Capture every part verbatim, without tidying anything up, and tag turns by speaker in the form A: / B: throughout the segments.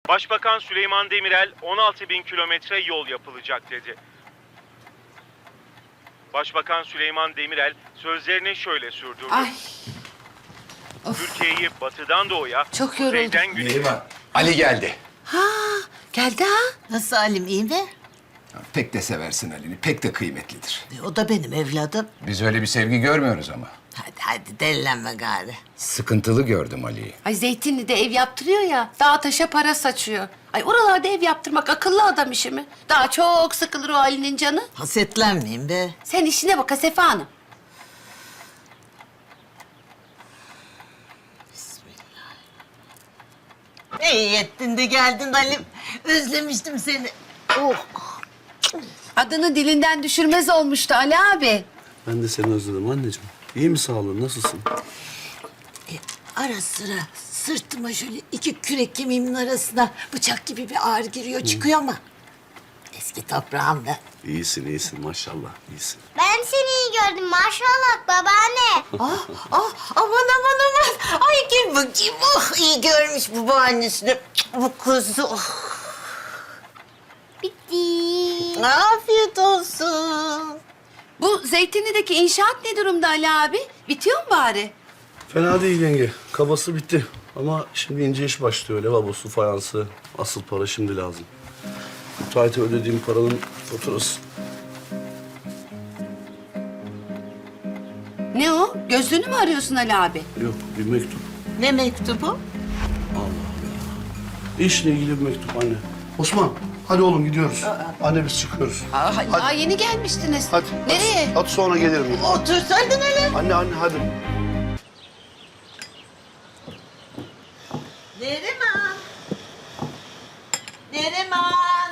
A: Başbakan Süleyman Demirel on altı bin kilometre yol yapılacak dedi. Başbakan Süleyman Demirel sözlerini şöyle sürdürdü.
B: Ay.
A: Türkiye'yi batıdan doğuya,
B: Çok yoruldum.
A: kuzeyden güneye...
C: Neriman, Ali geldi.
B: Ha, geldi ha.
D: Nasıl Halim, iyi mi?
C: Ya, pek de seversin Ali'ni, pek de kıymetlidir.
D: E, o da benim evladım.
C: Biz öyle bir sevgi görmüyoruz ama.
D: Hadi hadi delilenme gari.
C: Sıkıntılı gördüm Ali'yi.
B: Ay Zeytinli'de ev yaptırıyor ya, dağa taşa para saçıyor. Ay oralarda ev yaptırmak akıllı adam işi mi? Daha çok sıkılır o Ali'nin canı.
D: Hasetlenmeyin be.
B: Sen işine bak Hasefe Hanım.
D: İyi ettin de geldin Halim. Özlemiştim seni. Oh.
B: Adını dilinden düşürmez olmuştu Ali abi.
E: Ben de seni özledim anneciğim. İyi mi sağlığın? Nasılsın?
D: E, ara sıra sırtıma şöyle iki kürek kemiğimin arasına bıçak gibi bir ağrı giriyor çıkıyor ama... Eski toprağım ben.
E: İyisin, iyisin maşallah. İyisin.
F: Ben seni iyi gördüm maşallah babaanne.
D: Ah, ah, aman aman aman. Ay gel bakayım. Oh, iyi görmüş bu babaannesini. Bu kuzu. Oh.
F: Bitti.
D: Afiyet olsun.
B: Bu Zeytinli'deki inşaat ne durumda Ali abi? Bitiyor mu bari?
E: Fena değil yenge. Kabası bitti. Ama şimdi ince iş başlıyor. Lavabosu, fayansı. Asıl para şimdi lazım. Müteahhite ödediğim paranın faturası.
B: Ne o? Gözlüğünü mü arıyorsun Ali abi?
E: Yok, bir mektup.
D: Ne mektubu?
E: İşle ilgili bir mektup anne. Osman, hadi oğlum gidiyoruz. Anne biz çıkıyoruz.
B: Aa, daha yeni gelmiştiniz.
E: Hadi.
B: Nereye?
E: Hadi, hadi sonra gelirim.
D: Otursaydın hele.
E: Anne, anne hadi.
D: Neriman. Neriman.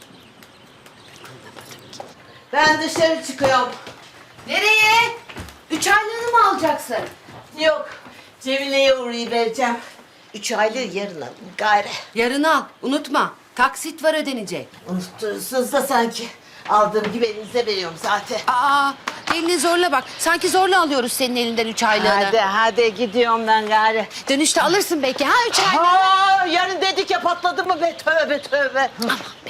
D: Ben dışarı çıkıyorum.
B: Nereye? Üç aylığını mı alacaksın?
D: Yok, Cemile'ye uğrayıvereceğim. Üç aylığı yarın alın gayri.
B: Yarın al. Unutma. Taksit var ödenecek.
D: Unutturursunuz da sanki. Aldığım gibi elinize veriyorum zaten.
B: Aa, elini zorla bak. Sanki zorla alıyoruz senin elinden üç aylığını.
D: Hadi hadi gidiyorum ben gari.
B: Dönüşte alırsın belki ha üç aylığını.
D: Ha, yarın dedik ya patladı mı be tövbe tövbe.
B: Aman be.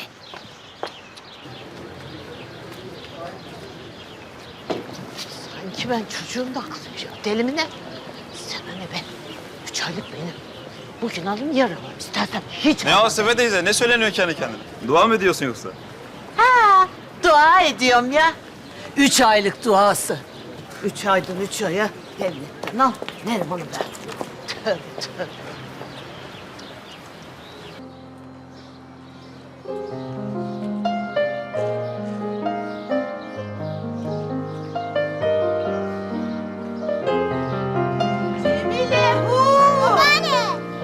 D: Sanki ben çocuğum da aklıyım. Deli mi ne? Sana ne be? Üç aylık benim. Bugün alın yarın alın. İstersen hiç
G: Ne o Sefer teyze? Ne söyleniyor kendi kendine? Dua mı ediyorsun yoksa?
D: Ha, dua ediyorum ya. Üç aylık duası. Üç aydan üç aya devletten al. Neriman'ı ver. Tövbe tövbe. Cemile, hu!
F: Babaanne.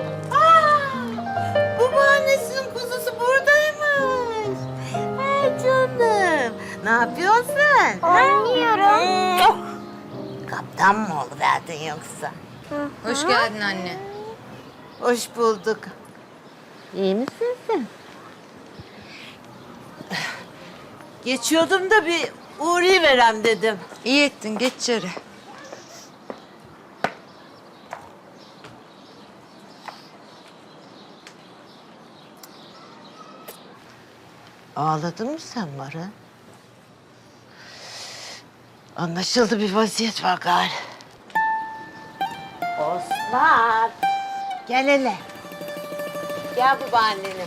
D: Aa, babaannesinin kuzusu buradaymış. Hey canım. Ne yapıyorsun sen?
F: Oynuyorum.
D: Kaptan mı oluverdin yoksa?
H: Hoş geldin anne.
D: Hoş bulduk. İyi misin sen? Geçiyordum da bir uğrayıverem dedim.
H: İyi ettin, geç içeri.
D: Ağladın mı sen Mara? Anlaşıldı, bir vaziyet var gari. Osman. Gel hele. Gel babaannenim.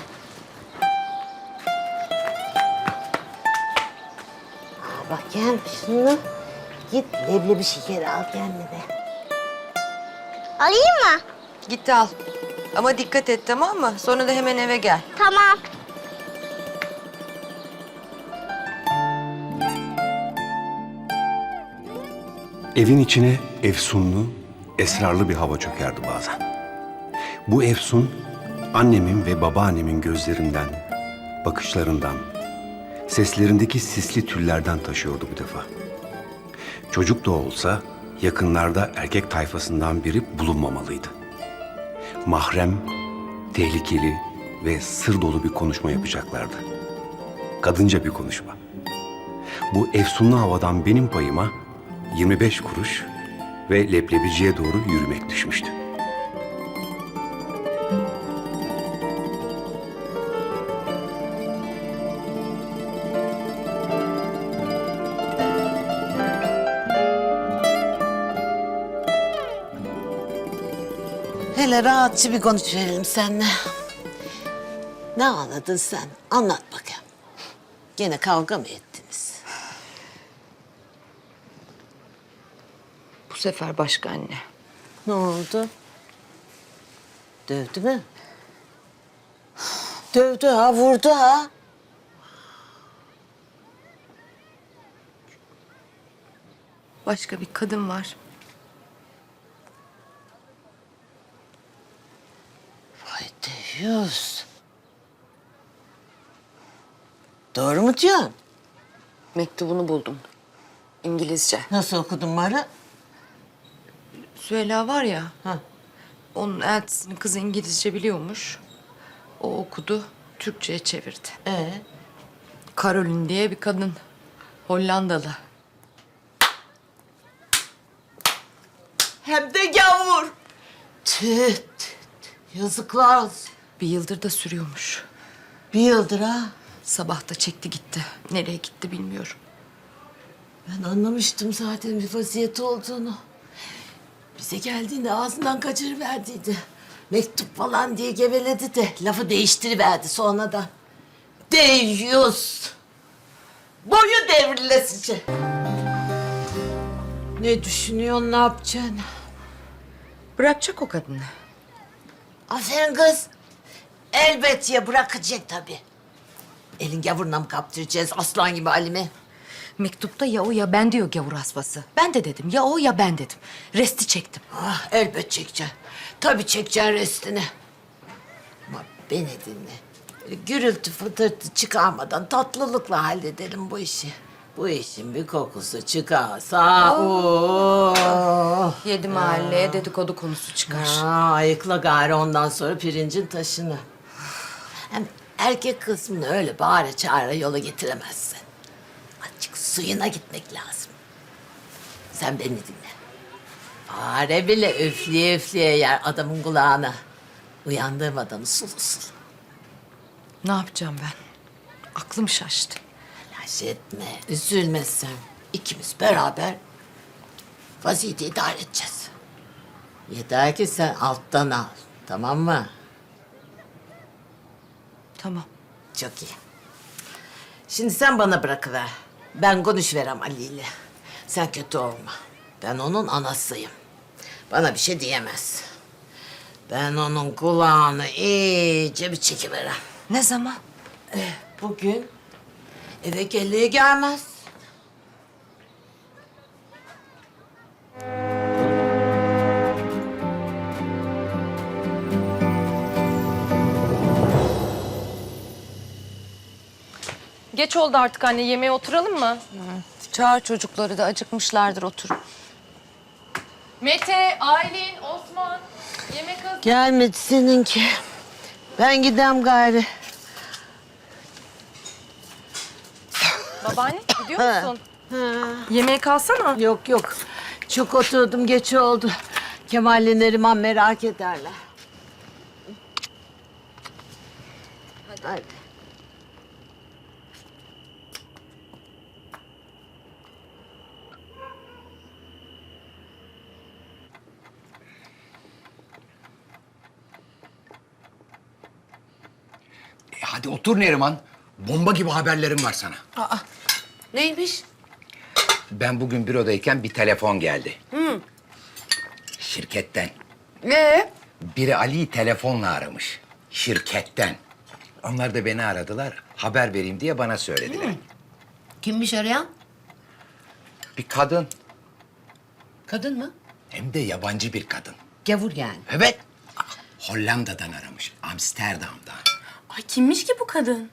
D: Aa, bak gel şunu. Git leblebi şekeri al kendine.
F: Alayım mı?
H: Git al. Ama dikkat et, tamam mı? Sonra da hemen eve gel.
F: Tamam.
I: Evin içine efsunlu, esrarlı bir hava çökerdi bazen. Bu efsun, annemin ve babaannemin gözlerinden, bakışlarından, seslerindeki sisli tüllerden taşıyordu bu defa. Çocuk da olsa yakınlarda erkek tayfasından biri bulunmamalıydı. Mahrem, tehlikeli ve sır dolu bir konuşma yapacaklardı. Kadınca bir konuşma. Bu efsunlu havadan benim payıma yirmi beş kuruş ve leblebiciye doğru yürümek düşmüştü.
D: Hele rahatça bir konuşverelim seninle. Ne anladın sen? Anlat bakayım. Gene kavga mı ettiniz?
H: Bu sefer başka anne.
D: Ne oldu? Dövdü mü? Dövdü ha, vurdu ha.
H: Başka bir kadın var.
D: Vay Deyyus. Doğru mu diyorsun?
H: Mektubunu buldum. İngilizce.
D: Nasıl okudun bari?
H: Süheyla var ya.
D: Ha.
H: Onun eltisini kızı İngilizce biliyormuş. O okudu, Türkçe'ye çevirdi.
D: Ee?
H: Caroline diye bir kadın. Hollandalı.
D: Hem de gavur. Tüh, tüh, tüh. Yazıklar olsun.
H: Bir yıldır da sürüyormuş.
D: Bir yıldır ha.
H: Sabah da çekti gitti. Nereye gitti bilmiyorum.
D: Ben anlamıştım zaten bir vaziyeti olduğunu. Bize geldiğinde ağzından kaçırıverdiydi. Mektup falan diye geveledi de lafı değiştiriverdi sonradan. Deyyus. Boyu devrilesice. Ne düşünüyorsun, ne yapacaksın?
H: Bırakacak o kadını.
D: Aferin kız. Elbet ya bırakacak tabii. Elin gavuruna mı kaptıracağız aslan gibi Halime?
H: Mektupta ya o ya ben diyor gavur asbası. Ben de dedim ya o ya ben dedim. Resti çektim.
D: Ah, elbet çekeceksin. Tabii çekeceksin restini. Ama beni dinle. Böyle gürültü fıtırtı çıkarmadan tatlılıkla halledelim bu işi. Bu işin bir kokusu çıkarsa... Oh.
H: Yedi mahalleye dedikodu konusu çıkar.
D: Aa, ayıkla gari ondan sonra pirincin taşını. Hem erkek kısmını öyle bağıra çağıra yola getiremezsin. Azıcık suyuna gitmek lazım. Sen beni dinle. Fare bile üfleye üfleye yer adamın kulağına. Uyandırmadan usul usul.
H: Ne yapacağım ben? Aklım şaştı.
D: Telaş etme, üzülme sen. İkimiz beraber vaziyeti idare edeceğiz. Yeter ki sen alttan al, tamam mı?
H: Tamam.
D: Çok iyi. Şimdi sen bana bırakıver. Ben konuşverem Ali ile. Sen kötü olma. Ben onun anasıyım. Bana bir şey diyemez. Ben onun kulağını iyice bir çekiverem.
H: Ne zaman?
D: Bugün eve gelliği gelmez.
J: Geç oldu artık anne. Yemeğe oturalım mı?
H: Çağır çocukları da acıkmışlardır oturun.
J: Mete, Aylin, Osman. Yemek hazır.
D: Gelmedi seninki. Ben gidem gari.
J: Babaanne gidiyor musun? Yemeğe kalsana.
D: Yok yok. Çok oturdum, geç oldu. Kemal'le Neriman merak ederler. Hadi. Hadi.
C: E hadi otur Neriman. Bomba gibi haberlerim var sana.
B: Neymiş?
K: Ben bugün bürodayken bir telefon geldi. Şirketten.
B: Ee?
K: Biri Ali'yi telefonla aramış. Şirketten. Onlar da beni aradılar. Haber vereyim diye bana söylediler.
B: Kimmiş arayan?
K: Bir kadın.
B: Kadın mı?
K: Hem de yabancı bir kadın.
B: Gavur yani.
K: Evet. Hollanda'dan aramış. Amsterdam'dan.
J: Ay kimmiş ki bu kadın?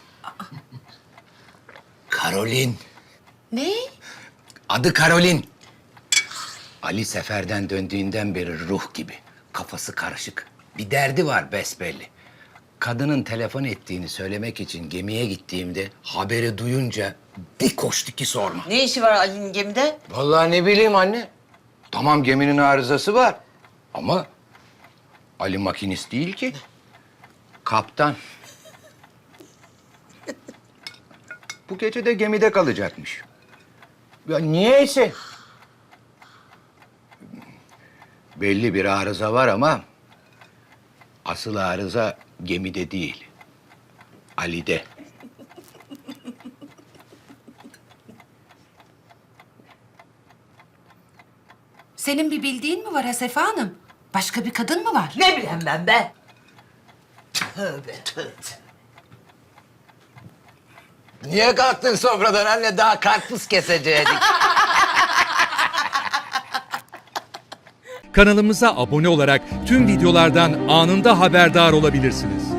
K: Caroline.
B: Ne?
K: Adı Caroline. Ali seferden döndüğünden beri ruh gibi. Kafası karışık. Bir derdi var besbelli. Kadının telefon ettiğini söylemek için gemiye gittiğimde haberi duyunca bir koştu ki sorma.
D: Ne işi var Ali'nin gemide?
K: Vallahi ne bileyim anne. Tamam geminin arızası var. Ama Ali makinist değil ki. Kaptan. Bu gece de gemide kalacakmış. Ya niyeyse. Belli bir arıza var ama Asıl arıza gemide değil, Ali'de.
B: Senin bir bildiğin mi var Hasefe Hanım? Başka bir kadın mı var?
D: Ne bileyim ben be? Tövbe tövbe.
K: Niye kalktın sofradan anne? Daha karpuz kesecektik.
L: Kanalımıza abone olarak tüm videolardan anında haberdar olabilirsiniz.